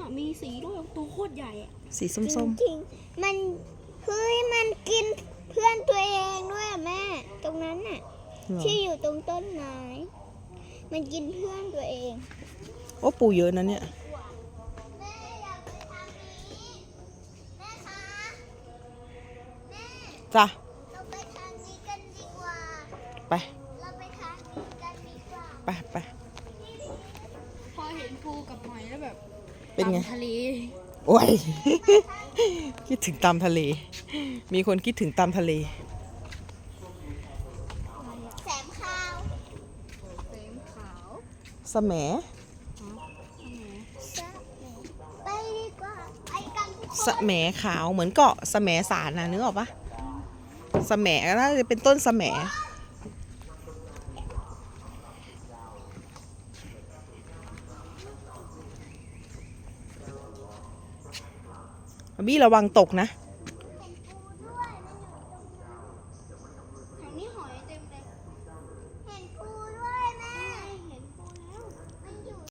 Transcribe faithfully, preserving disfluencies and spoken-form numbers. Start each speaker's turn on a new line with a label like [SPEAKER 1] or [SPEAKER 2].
[SPEAKER 1] มีสีด้วยตัวโคตรใหญ่อะ
[SPEAKER 2] สีส้ม
[SPEAKER 3] จริงๆมันเฮ้ยมันกินเพื่อนตัวเองด้วยอะแม่ ตรงนั้นน่ะ
[SPEAKER 2] ๆเหรอ
[SPEAKER 3] ที่อยู่ตรงต้นไม้ มันกินเพื่อนตัวเอง
[SPEAKER 2] โอ้ปูเยอะนะเนี่ย
[SPEAKER 3] แม่อยากไปทางนี้แม่คะแม่
[SPEAKER 2] จ้ะ
[SPEAKER 3] เราไปทางนี้กันดีกว่า
[SPEAKER 2] ไป
[SPEAKER 3] เราไปทางนี้กันดีกว่า
[SPEAKER 2] ไปไป
[SPEAKER 1] พอเห็นปูกับหอยแล้วแบบ
[SPEAKER 2] เป็นไง
[SPEAKER 1] ตามทะเล
[SPEAKER 2] โอ้ย คิดถึงตามทะเล มีคนคิดถึงตามทะเล
[SPEAKER 3] แสมขาว
[SPEAKER 1] เต็มขาว
[SPEAKER 2] สแหม
[SPEAKER 3] จะไปดีกว่าไปกันทุกค
[SPEAKER 2] ส
[SPEAKER 3] น
[SPEAKER 2] แหมขาวเหมือนเกาะสแหมสารนะนึกออกปะสแหมก็น่าจะเป็นต้นสแหมบี้ระวังตกนะ